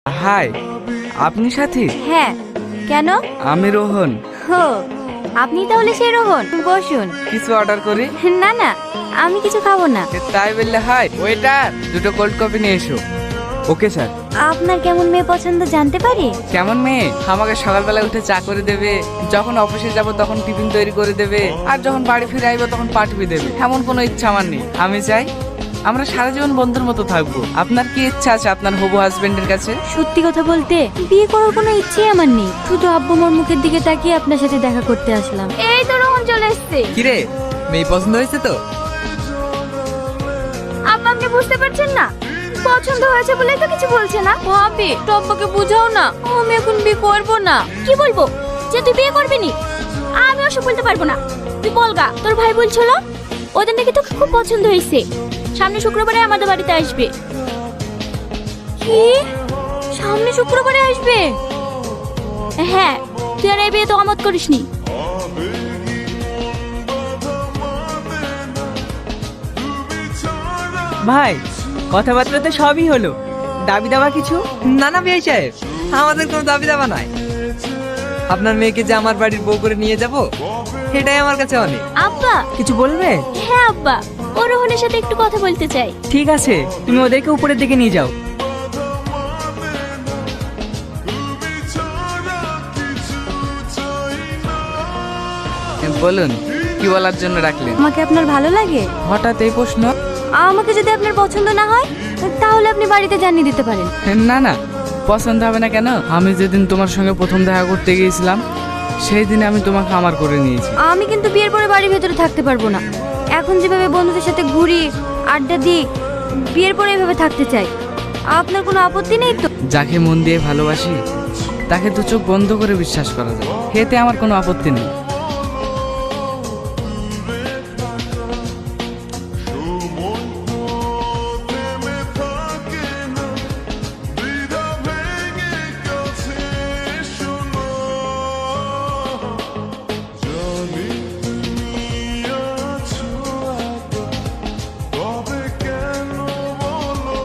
High, আপনি সাথী? হ্যাঁ, কেন? আমি রোহন। হো, আপনি তাহলে সেই রোহন। বসুন। কিছু অর্ডার করি? না না, আমি কিছু খাবো না। তাই বললে হাই ওয়েটার, দুটো কোল্ড কফি নিয়ে এসো। Okay sir. আপনার কেমন মেয়ে পছন্দ জানতে পারি? কেমন মেয়ে? আমাকে সকালবেলা উঠে চা করে দেবে, যখন অফিসে যাব তখন টিফিন তৈরি করে দেবে, আর যখন বাড়ি ফিরে আইবো তখন পাঠিয়ে দেবে। এমন কোনো ইচ্ছা আমার নেই। আমি চাই আমরা সারা জীবন বন্ধুর মতো থাকবো। আপনার কি ইচ্ছা আছে আপনার হবু হাজবেন্ডের কাছে? সত্যি কথা বলতে বিয়ে করার কোনো ইচ্ছে আমার নেই, শুধু আব্বু মোর মুখের দিকে তাকিয়ে আপনার সাথে দেখা করতে আসলাম। এই তো রোহন চলে এসেছে। কিরে, মেয়ে পছন্দ হয়েছে তো? আব্বা, আপনি বুঝতে পারছেন না? পছন্দ হয়েছে বলেই তো কিছু বলছে না। ভাবি, তো আব্বাকে বুঝাও না, আমি এখন বিয়ে করবো না। কি বলবো? যে তুই বিয়ে করবি নি? আমি ওসব বলতে পারবো না। তুই বলগা, তোর ভাই বলছিল ওদের নাকি তোকে খুব পছন্দ হয়েছে, সামনে শুক্রবারে আমাদের বাড়িতে আসবে। কি? সামনে শুক্রবারে আসবে? হ্যাঁ, তুই আর এই বিয়ে তো আমত করিসনি। ভাই, কথাবার্তা তো সবই হলো, দাবি দাবা কিছু? না না ভাই সাহেব, আমাদের কোনো দাবি দাবা নাই। আপনার মেয়েকে যে আমার বাড়ির বউ করে নিয়ে যাব, এটাই আমার কাছে অনেক। আব্বা। কিছু বলবে? হ্যাঁ আব্বা, ও রোহনের সাথে একটু কথা বলতে চাই। ঠিক আছে, তুমি ওদেরকে উপরের দিকে নিয়ে যাও। বলুন, কি বলার জন্য রাখলেন? আমাকে আপনার ভালো লাগে? হঠাৎ এই প্রশ্ন? আমাকে যদি আপনার পছন্দ না হয় তাহলে আপনি বাড়িতে জানিয়ে দিতে পারেন। না না, পছন্দ হবে না কেন? আমি যেদিন তোমার সঙ্গে প্রথম দেখা করতে গিয়েছিলাম সেই দিনে আমি তোমাকে আমার করে নিয়েছি। আমি কিন্তু বিয়ের পরে বাড়ির ভেতরে থাকতে পারবো না। এখন যেভাবে বন্ধুদের সাথে ঘুরি, আড্ডা দিই, বিয়ের পরে এভাবে থাকতে চাই। আপনার কোনো আপত্তি নেই তো? যাকে মন দিয়ে ভালোবাসি তাকে দু চোখ বন্ধ করে বিশ্বাস করা যায়, এতে আমার কোনো আপত্তি নেই।